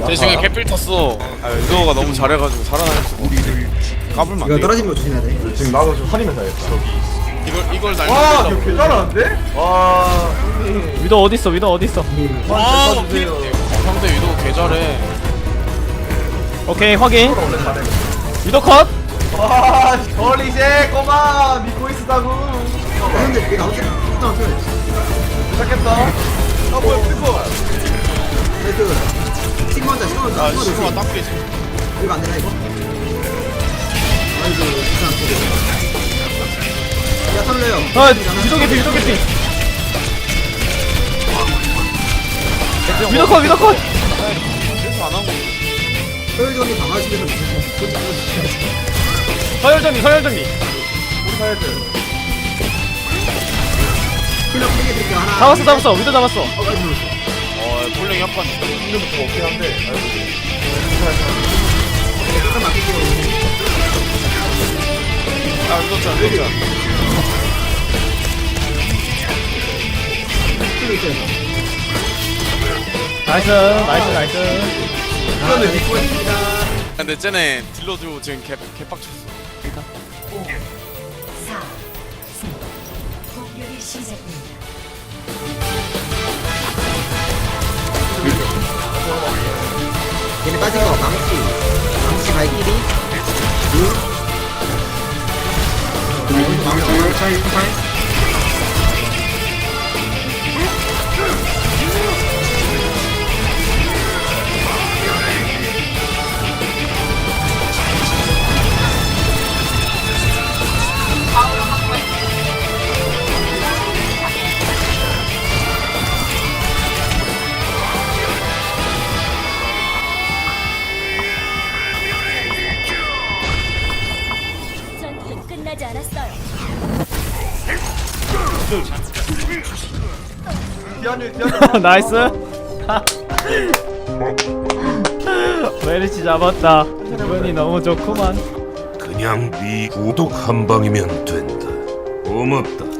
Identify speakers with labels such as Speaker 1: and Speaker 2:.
Speaker 1: 대중에 개필 탔어. 아, 유도가 너무 잘해가지고 살아날 수가 없어. 까불면 안
Speaker 2: 이거
Speaker 1: 돼.
Speaker 2: 떨어지는 거 조심해야 돼.
Speaker 3: 지금 나도 좀 살리면서 해야겠다.
Speaker 1: 이걸
Speaker 3: 와,
Speaker 1: 날린다고.
Speaker 3: 이거 개 잘하는데? 와, 형님.
Speaker 4: 위도 어딨어 위도 어딨어.
Speaker 1: 와,
Speaker 3: 써주세요.
Speaker 1: 상대 유도 개 잘해.
Speaker 4: 오케이 확인.
Speaker 3: 원래 잘해.
Speaker 4: 위도 컷.
Speaker 3: 와, 헐리제 꼬마 믿고 있었다고.
Speaker 2: 근데 내가 어떻게 일단 켜야 돼.
Speaker 3: 시작했다. 아, 뭐야, 피코.
Speaker 2: 그 시그마자 시그마자
Speaker 1: 아,
Speaker 2: 시그마자
Speaker 1: 시그마
Speaker 2: 조심.
Speaker 1: 딱 깨지.
Speaker 2: 이거 안 되나 이거? 아이고 이상 야 설레요.
Speaker 4: 아 위도 개피 위도 개피. 위도 컷 위도 컷.
Speaker 1: 그래서 안 하고.
Speaker 2: 소율전이 강화시켜서
Speaker 4: 서열정리 서열정리.
Speaker 3: 우리 사야지.
Speaker 2: 힐러 크게 드릴게요 하나.
Speaker 4: 잡았어 위도 잡았어.
Speaker 1: 폴링 약간
Speaker 3: 힘들부터 없긴 한데.
Speaker 2: 잠깐 맡길게요.
Speaker 1: 아, 유도 잘, 유도 잘.
Speaker 2: 힐러 있어요.
Speaker 4: 나이스.
Speaker 2: 이거는 믿고 있습니다.
Speaker 1: 근데 쟤네 딜러도 지금 개빡쳤어.
Speaker 5: 4, 3, 공격이 시작됩니다.
Speaker 2: 얘네 빠진 거 망치 발길이 망치
Speaker 5: 전투는 끝나지 않았어요.
Speaker 3: 디안유.
Speaker 4: 나이스. 메리치 잡았다. 기분이 너무 좋구만.
Speaker 6: 그냥 네 구독 한 방이면 된다. 고맙다.